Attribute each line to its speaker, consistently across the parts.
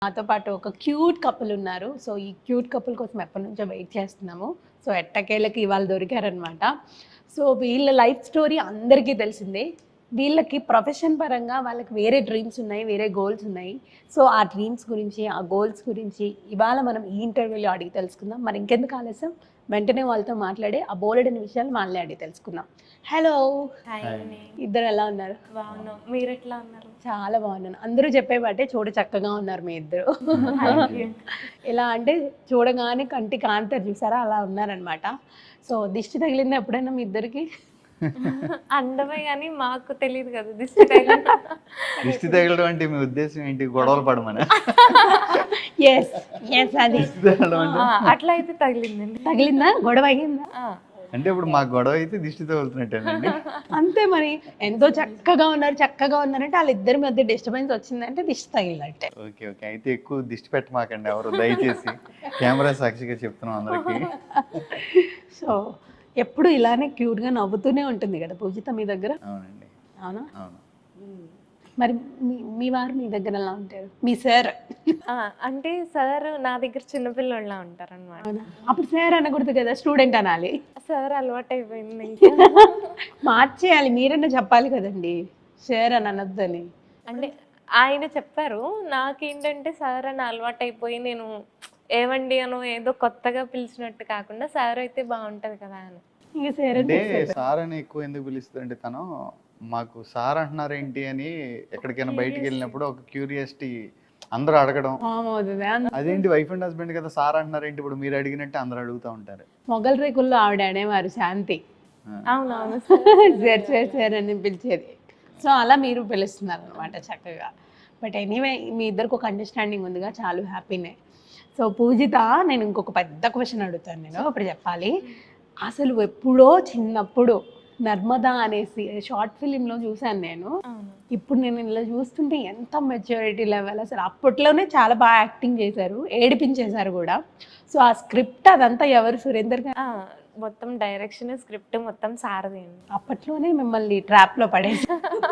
Speaker 1: నాతో పాటు ఒక క్యూట్ కపుల్ ఉన్నారు. సో ఈ క్యూట్ కపుల్ కోసం ఎప్పటినుంచో వెయిట్ చేస్తున్నాము. సో ఎట్టకేలకి ఇవాళ దొరికారనమాట. సో వీళ్ళ లైఫ్ స్టోరీ అందరికీ తెలిసిందే. వీళ్ళకి ప్రొఫెషన్ పరంగా వాళ్ళకి వేరే డ్రీమ్స్ ఉన్నాయి, వేరే గోల్స్ ఉన్నాయి. సో ఆ డ్రీమ్స్ గురించి, ఆ గోల్స్ గురించి ఇవాళ మనం ఈ ఇంటర్వ్యూలో అడిగి తెలుసుకుందాం. మరి ఇంకెందుకు ఆలస్యం, వెంటనే వాళ్ళతో మాట్లాడి ఆ బోలెడని విషయాలు వాళ్ళని అడిగి తెలుసుకుందాం. హలో, ఇద్దరు ఎలా ఉన్నారు?
Speaker 2: బాగున్నాం, మీరు ఎట్లా ఉన్నారు?
Speaker 1: చాలా బాగున్నాను. అందరూ చెప్పేవాటే చూడ చక్కగా ఉన్నారు మీ ఇద్దరు. ఎలా అంటే చూడగానే కంటి కాంతారు చూసారా, అలా ఉన్నారనమాట. సో దిష్టి తగిలింది ఎప్పుడైనా మీ ఇద్దరికి?
Speaker 2: అందమే కానీ మాకు తెలియదు కదా దిష్టి తగిలిన.
Speaker 3: దిష్టి తగలడం అంటే మీ ఉద్దేశం ఏంటి? గొడవలు పడమని?
Speaker 1: ఎస్ ఎస్, అది
Speaker 2: అట్లా అయితే తగిలిందండి.
Speaker 1: తగిలిందా? గొడవ అయ్యిందా?
Speaker 3: అంటే ఇప్పుడు మా గొడవ అయితే దిష్టి తగులుతున్నట్టేనండి.
Speaker 1: అంతే మరి. ఎంతో చక్కగా ఉన్నారంటే వాళ్ళిద్దరి మధ్య డిస్టర్బెన్స్ వచ్చిందంటే దిష్టి తగిలినట్టే.
Speaker 3: ఓకే ఓకే, అయితే ఎక్కువ దిష్టి పెట్టమాకండి ఎవరు, దయచేసి. కెమెరా సాక్షిగా చెప్తున్నాం అందరికి.
Speaker 1: సో ఎప్పుడు ఇలానే క్యూట్గా నవ్వుతూనే ఉంటుంది కదా పూజిత మీ దగ్గర?
Speaker 3: అవునండి.
Speaker 1: అవునా?
Speaker 3: అవును.
Speaker 1: మరి మీ వారు మీ దగ్గర ఎలా ఉంటారు? మీ సార్?
Speaker 2: అంటే సార్ నా దగ్గర చిన్నపిల్లలా ఉంటారు అనమాట.
Speaker 1: అప్పుడు సార్ అనకూడదు కదా, స్టూడెంట్ అనాలి.
Speaker 2: సార్ అలవాటు అయిపోయింది.
Speaker 1: మార్చేయాలి, మీరన్నా చెప్పాలి కదండి సార్ అని అనొద్దని.
Speaker 2: అంటే ఆయన చెప్పారు, నాకేంటంటే సార్ అని అలవాటు అయిపోయి నేను ఏవండి అనో ఏదో కొత్తగా పిలిచినట్టు కాకుండా సార్ అయితే బాగుంటది కదా అని.
Speaker 1: ఇంకా సార్
Speaker 3: అంటే సార్ అని ఎక్కువ ఎందుకు పిలుస్తుందంటే తను మాకు సార్ అంటున్నారేంటి అని ఎక్కడికైనా బయటికి వెళ్ళినప్పుడు ఒక క్యూరియాసిటీ అందరూ అడగడం. అదేంటి వైఫ్ అండ్ హస్బెండ్ కదా సార్ అంటున్నారేంటి ఇప్పుడు మీరు అడిగినట్టు అందరూ అడుగుతూ ఉంటారు.
Speaker 1: మొగల్ రేకుల్లో ఆవిడ అనేవారు శాంతి.
Speaker 2: అవునవును,
Speaker 1: సార్ సార్ సార్ అని పిలిచేది. సో అలా మీరు పిలుస్తున్నారు అనమాట చక్కగా. బట్ ఎనీవే మీ ఇద్దరికి ఒక అండర్స్టాండింగ్ ఉందిగా, చాలా హ్యాపీనే. సో పూజిత, నేను ఇంకొక పెద్ద క్వశ్చన్ అడుగుతాను. నేను ఇప్పుడు చెప్పాలి. అసలు ఎప్పుడో చిన్నప్పుడు నర్మదా అనేసి షార్ట్ ఫిలింలో చూశాను నేను. ఇప్పుడు నేను ఇలా చూస్తుంటే ఎంత మెచ్యూరిటీ లెవెల్ అసలు. అప్పట్లోనే చాలా బాగా యాక్టింగ్ చేశారు, ఏడిపించేశారు కూడా. సో ఆ స్క్రిప్ట్ అదంతా ఎవరు? సురేందర్ గారు
Speaker 2: మొత్తం డైరెక్షన్ స్క్రిప్ట్ మొత్తం సారది.
Speaker 1: అప్పట్లోనే మిమ్మల్ని ట్రాప్లో పడేసి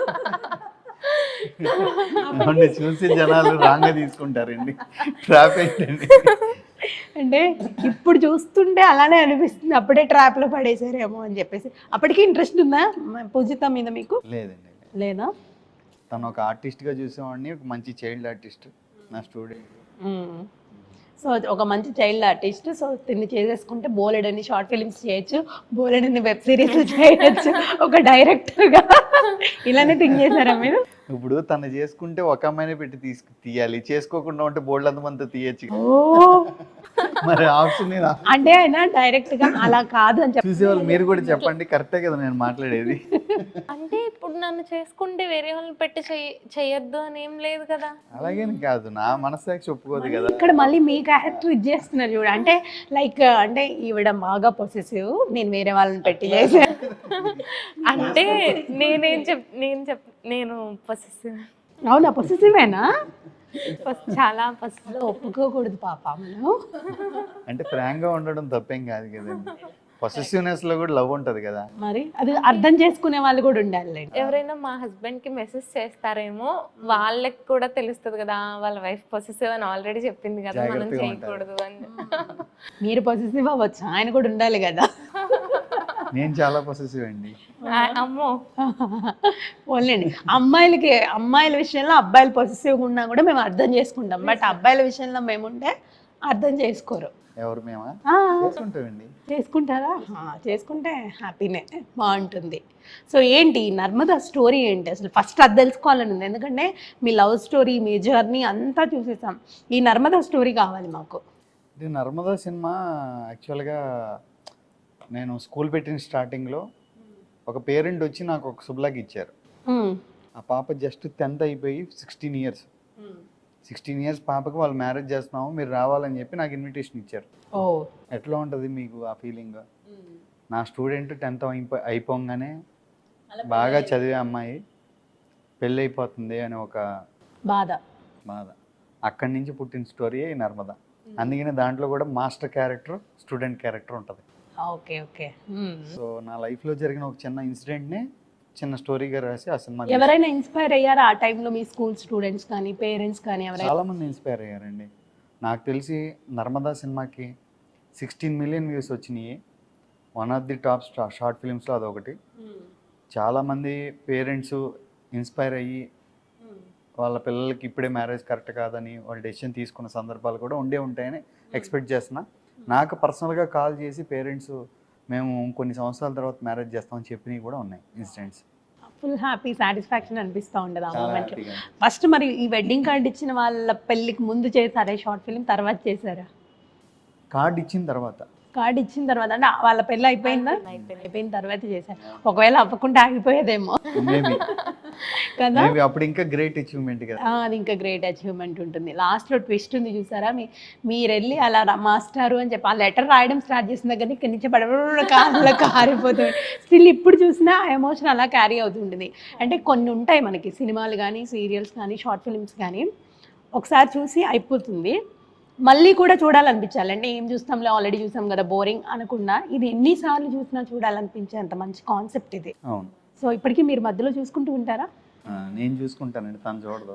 Speaker 3: చూసి జనాలు రాంగ్ తీసుకుంటారండి. ట్రాప్ ఏంటండి
Speaker 1: అంటే ఇప్పుడు చూస్తుంటే అలానే అనిపిస్తుంది, అప్పుడే ట్రాప్లో పడేసారేమో అని చెప్పేసి. అప్పటికి ఇంట్రెస్ట్ ఉందా పూజిత మీద మీకు?
Speaker 3: లేదండి.
Speaker 1: లేదా?
Speaker 3: తను ఒక ఆర్టిస్ట్గా చూసేవాడిని, ఒక మంచి చైల్డ్ ఆర్టిస్ట్, నా స్టూడెంట్.
Speaker 1: సో ఒక మంచి చైల్డ్ ఆర్టిస్ట్. సో తిని చేసేసుకుంటే బోలెడని షార్ట్ ఫిలిమ్స్ చేయొచ్చు, బోలెడని వెబ్ సిరీస్ చేయొచ్చు ఒక డైరెక్టర్గా. ఇలానే థింక్ చేశారా మీరు?
Speaker 3: ఇప్పుడు తను చేసుకుంటే ఒక అమ్మాయినే పెట్టి తీయాలి, చేసుకోకుండా ఉంటే బోల్డ్ అంతమంది తీయచ్చు. మరి ఆప్షన్
Speaker 1: అంటే ఆయన డైరెక్ట్ గా అలా కాదు అని
Speaker 3: చూసేవాళ్ళు మీరు కూడా చెప్పండి. కరెక్టే కదా నేను మాట్లాడేది?
Speaker 2: అంటే ఇప్పుడు నన్ను చేసుకుంటే వేరే వాళ్ళని పెట్టి చెయ్యొద్దు అని ఏం లేదు కదా.
Speaker 3: అలాగేని కాదు, నా మనస్సాక్షి ఒప్పుకోదు కదా.
Speaker 1: ఇక్కడ మళ్ళీ మీ క్యారెక్టర్ ఇది చేస్తున్నారు చూడ. అంటే లైక్ అంటే ఈవిడ బాగా పొసెసివ్, నేను వేరే వాళ్ళని పెట్టి చేశాను
Speaker 2: అంటే నేను పొసెసివ్.
Speaker 1: అవునా? పొసెసివేనా?
Speaker 2: చాలా పొసెసివ్.
Speaker 1: ఒప్పుకోకూడదు పాప మనం.
Speaker 3: అంటే ఫ్రాంక్ గా ఉండడం తప్పేం కాదు కదండి. పొసెసివ్నెస్ లో కూడా లవ్ ఉంటది కదా.
Speaker 1: మరి అది అర్థం చేసుకునే వాళ్ళు కూడా ఉండాలి.
Speaker 2: ఎవరైనా మా హస్బెండ్ కి మెసేజ్ చేస్తారేమో, వాళ్ళకి కూడా తెలుస్తుంది కదా వాళ్ళ వైఫ్ పొసెసివ్ అని ఆల్రెడీ చెప్పింది కదా, మనం చేయకూడదు అని.
Speaker 1: మీరు పొసెసివ్ అవ్వచ్చు, ఆయన కూడా ఉండాలి కదా.
Speaker 3: నేను చాలా పొసెసివ్ అండి.
Speaker 2: అమ్మో,
Speaker 1: ఓన్లేండి అమ్మాయిల విషయంలో అబ్బాయిలు పొసెసివ్గా ఉన్నా కూడా మేము అర్థం చేసుకుంటాం. బట్ అబ్బాయిల విషయంలో మేముంటే అర్థం చేసుకోరు.
Speaker 3: ఎవరు? మేమా? చేసుకుంటామండి.
Speaker 1: చేసుకుంటారా? చేసుకుంటే హ్యాపీనే, బాగుంటుంది. సో ఏంటి నర్మదా స్టోరీ ఏంటి అసలు? ఫస్ట్ అది తెలుసుకోవాలని ఉంది, ఎందుకంటే మీ లవ్ స్టోరీ, మీ జర్నీ అంతా చూసేసాం. ఈ నర్మదా స్టోరీ కావాలి మాకు.
Speaker 3: ఇది నర్మదా సినిమా యాక్చువల్గా నేను స్కూల్ పెట్టిన స్టార్టింగ్లో ఒక పేరెంట్ వచ్చి నాకు ఒక శుభ్లాగ్ ఇచ్చారు. ఆ పాప జస్ట్ 10th అయిపోయి 16 ఇయర్స్ పాపకి వాళ్ళు మ్యారేజ్ చేస్తున్నాము, మీరు రావాలని చెప్పి నాకు ఇన్విటేషన్ ఇచ్చారు. ఎట్లా ఉంటుంది మీకు ఆ ఫీలింగ్? నా స్టూడెంట్ 10th అయిపోగానే బాగా చదివే అమ్మాయి పెళ్ళి అయిపోతుంది అని ఒక బాధ. అక్కడి నుంచి పుట్టిన స్టోరీయే నర్మదా. అందుకనే దాంట్లో కూడా మాస్టర్ క్యారెక్టర్, స్టూడెంట్ క్యారెక్టర్ ఉంటుంది.
Speaker 1: Okay okay.
Speaker 3: సో నా లైఫ్లో జరిగిన ఒక చిన్న ఇన్సిడెంట్ని చిన్న స్టోరీగా రాసి ఆ సినిమా
Speaker 1: ఎవరైనా ఇన్స్పైర్ అయ్యారా ఆ టైంలో మీ స్కూల్ స్టూడెంట్స్ కానీ పేరెంట్స్ కానీ ఎవరైనా?
Speaker 3: చాలా మంది ఇన్స్పైర్ అయ్యారండి. నాకు తెలిసి నర్మదా సినిమాకి 16 మిలియన్ వ్యూస్ వచ్చినాయి. One of the top short ఫిలిమ్స్లో అదొకటి. చాలామంది పేరెంట్స్ ఇన్స్పైర్ అయ్యి వాళ్ళ పిల్లలకి ఇప్పుడే మ్యారేజ్ కరెక్ట్ కాదని వాళ్ళు డెసిషన్ తీసుకున్న సందర్భాలు కూడా ఉండే ఉంటాయని ఎక్స్పెక్ట్ చేస్తున్నా. నాకు పర్సనల్గా కాల్ చేసి పేరెంట్స్ మేము కొన్ని సంవత్సరాల తర్వాత మ్యారేజ్ చేస్తామని చెప్పినవి కూడా ఉన్నాయి ఇన్సిడెంట్స్.
Speaker 1: ఫుల్ హ్యాపీ సాటిస్ఫాక్షన్ అనిపిస్తూ ఉండదు ఆ
Speaker 3: చాలా
Speaker 1: మూమెంట్లో.
Speaker 3: హ్యాపీగా.
Speaker 1: ఫస్ట్ మరి ఈ వెడ్డింగ్ కార్డ్ ఇచ్చిన వాళ్ళ పెళ్ళికి ముందు చేశారా షార్ట్ ఫిల్మ్, తర్వాత చేశారా?
Speaker 3: కార్డ్ ఇచ్చిన తర్వాత
Speaker 1: కార్డ్ ఇచ్చిన తర్వాత అంటే వాళ్ళ పెళ్ళి అయిపోయిందా? అయిపోయిన తర్వాత చేశారు. ఒకవేళ అవ్వకుండా ఆగిపోయేదేమో
Speaker 3: మేబీ
Speaker 1: కదా.
Speaker 3: అప్పుడు ఇంకా గ్రేట్ అచీవ్మెంట్ కదా.
Speaker 1: అది ఇంకా గ్రేట్ అచీవ్మెంట్ ఉంటుంది. లాస్ట్లో ట్విస్ట్ ఉంది చూసారా, మీరు వెళ్ళి అలా మాస్టారు అని చెప్పి ఆ లెటర్ రాయడం స్టార్ట్ చేసిన దగ్గర ఇక్కడి నుంచి పడబడ కాళ్ళలో కారిపోతుంది. స్టిల్ ఇప్పుడు చూసినా ఆ ఎమోషన్ అలా క్యారీ అవుతుంటుంది. అంటే కొన్ని ఉంటాయి మనకి సినిమాలు కానీ సీరియల్స్ కానీ షార్ట్ ఫిల్మ్స్ కానీ ఒకసారి చూసి అయిపోతుంది, మళ్ళీ కూడా చూడాలనిపించాలి. అంటే ఏం చూస్తాంలే ఆల్రెడీ చూసాం కదా బోరింగ్ అనకుండా ఇది ఎన్నిసార్లు చూసినా చూడాలనిపించే అంత మంచి కాన్సెప్ట్ ఇది.
Speaker 3: అవును.
Speaker 1: సో ఇప్పటికీ మీరు మధ్యలో చూసుకుంటూ ఉంటారా?
Speaker 3: నేను చూసుకుంటానండి, తను చూడదు.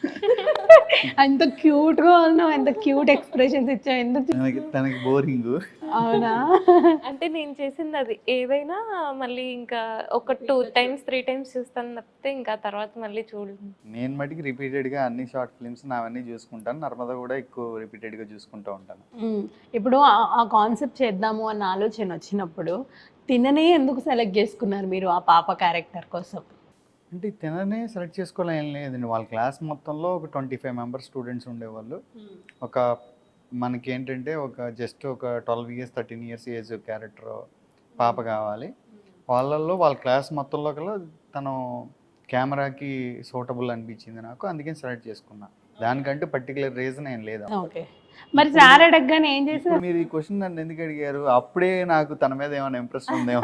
Speaker 1: ఎంత క్యూట్గా ఉన్నావు, ఎంత క్యూట్ ఎక్స్ప్రెషన్స్ ఇచ్చావు, ఎందుకు
Speaker 3: తనకి బోరింగ్.
Speaker 1: అవునా?
Speaker 2: అంటే నేను చేసింది అది ఏదైనా మళ్ళీ ఇంకా ఒక 2 times 3 times చూస్తాను తప్పితే ఇంకా తర్వాత మళ్ళీ చూడను.
Speaker 3: నేను మటుకి రిపీటెడ్గా అన్ని షార్ట్ ఫిల్మ్స్ నావన్నీ చూసుకుంటాను. నర్మదా కూడా ఎక్కువ రిపీటెడ్గా చూసుకుంటూ ఉంటాను.
Speaker 1: ఇప్పుడు ఆ కాన్సెప్ట్ చేద్దాము అన్న ఆలోచన వచ్చినప్పుడు తిననే ఎందుకు సెలెక్ట్ చేసుకున్నారు మీరు ఆ పాప క్యారెక్టర్ కోసం?
Speaker 3: అంటే తిననే సెలెక్ట్ చేసుకోవాలని ఏం లేదండి. వాళ్ళ క్లాస్ మొత్తంలో ఒక 25 మెంబర్స్ స్టూడెంట్స్ ఉండేవాళ్ళు. ఒక మనకి ఏంటంటే జస్ట్ ఒక 12 years 13 years ఏజ్ క్యారెక్టర్ పాప కావాలి. వాళ్ళల్లో వాళ్ళ క్లాస్ మొత్తంలో కల్లా తను కెమెరాకి సూటబుల్ అనిపించింది నాకు, అందుకని సెలెక్ట్ చేసుకున్నా. దానికంటూ పర్టికులర్ రీజన్ ఏం లేదు.
Speaker 1: ఓకే, మరి సార్ అడగగానే ఏం చేశారు?
Speaker 3: ఇప్పుడు మీరు ఈ క్వశ్చన్ నన్ను ఎందుకు అడిగారు? అప్పుడే నాకు తన మీద ఏమైనా ఇంప్రెషన్ ఉందేమో.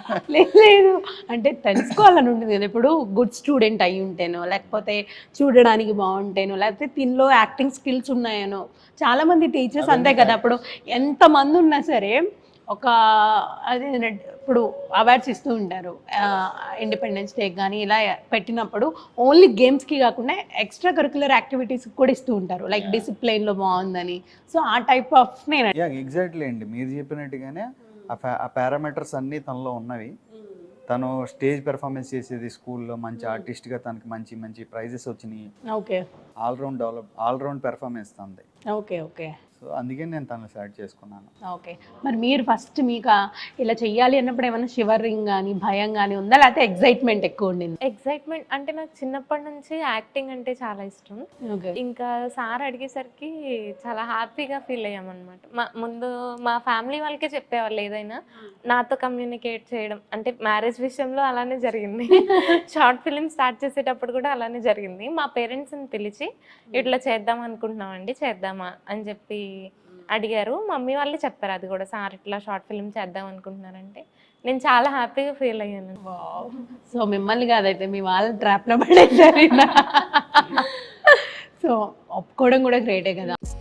Speaker 1: లేదు అంటే తెలుసుకోవాలని ఉంటుంది కదా. ఇప్పుడు గుడ్ స్టూడెంట్ అయి ఉంటేనో, లేకపోతే చూడడానికి బాగుంటేనో, లేకపోతే దీనిలో యాక్టింగ్ స్కిల్స్ ఉన్నాయనో. చాలామంది టీచర్స్ అంతే కదా, ఇప్పుడు ఎంతమంది ఉన్నా సరే ఒక అదే ఇప్పుడు అవార్డ్స్ ఇస్తూ ఉంటారు ఇండిపెండెన్స్ డే కానీ ఇలా పెట్టినప్పుడు ఓన్లీ గేమ్స్కి కాకుండా ఎక్స్ట్రా కరిక్యులర్ యాక్టివిటీస్కి కూడా ఇస్తూ ఉంటారు, లైక్ డిసిప్లైన్లో బాగుందని. సో ఆ టైప్ ఆఫ్ నేను
Speaker 3: ఎగ్జాక్ట్లీ అండి, మీరు చెప్పినట్టుగానే ఆ పారామీటర్స్ అన్నీ తనలో ఉన్నవి. తను స్టేజ్ పెర్ఫార్మెన్స్ చేసేది స్కూల్లో, మంచి ఆర్టిస్ట్గా తనకి మంచి మంచి ప్రైజెస్ వచ్చినాయి.
Speaker 1: ఓకే,
Speaker 3: ఆల్రౌండ్ పెర్ఫార్మెన్స్ తనది.
Speaker 1: Okay okay.
Speaker 3: సో అందుకే నేను తనని సెలెక్ట్ చేసుకున్నాను.
Speaker 1: ఓకే, మరి మీరు ఫస్ట్ మీకు ఇలా చెయ్యాలి అన్నప్పుడు ఏమైనా షివరింగ్ కానీ భయం కానీ ఉందా, లేకపోతే ఎక్సైట్మెంట్ ఎక్కువ ఉండింది?
Speaker 2: ఎక్సైట్మెంట్ అంటే నాకు చిన్నప్పటి నుంచి యాక్టింగ్ అంటే చాలా ఇష్టం.
Speaker 1: ఓకే,
Speaker 2: ఇంకా సార్ అడిగేసరికి చాలా హ్యాపీగా ఫీల్ అయ్యామన్నమాట. ముందు మా ఫ్యామిలీ వాళ్ళకే చెప్పేవాళ్ళు ఏదైనా నాతో కమ్యూనికేట్ చేయడం. అంటే మ్యారేజ్ విషయంలో అలానే జరిగింది, షార్ట్ ఫిలిం స్టార్ట్ చేసేటప్పుడు కూడా అలానే జరిగింది. మా పేరెంట్స్ని పిలిచి ఇట్లా చేద్దాం అనుకుంటున్నామండి, చేద్దామా అని చెప్పి అడిగారు. మమ్మీ వాళ్ళే చెప్పారు అది కూడా, సార్ ఇట్లా షార్ట్ ఫిలిం చేద్దాం అనుకుంటున్నారంటే నేను చాలా హ్యాపీగా ఫీల్ అయ్యాను.
Speaker 1: సో మిమ్మల్ని కాదైతే మీ వాళ్ళ ట్రాప్లో పడేసారు. సో ఒప్పుకోవడం కూడా గ్రేటే కదా.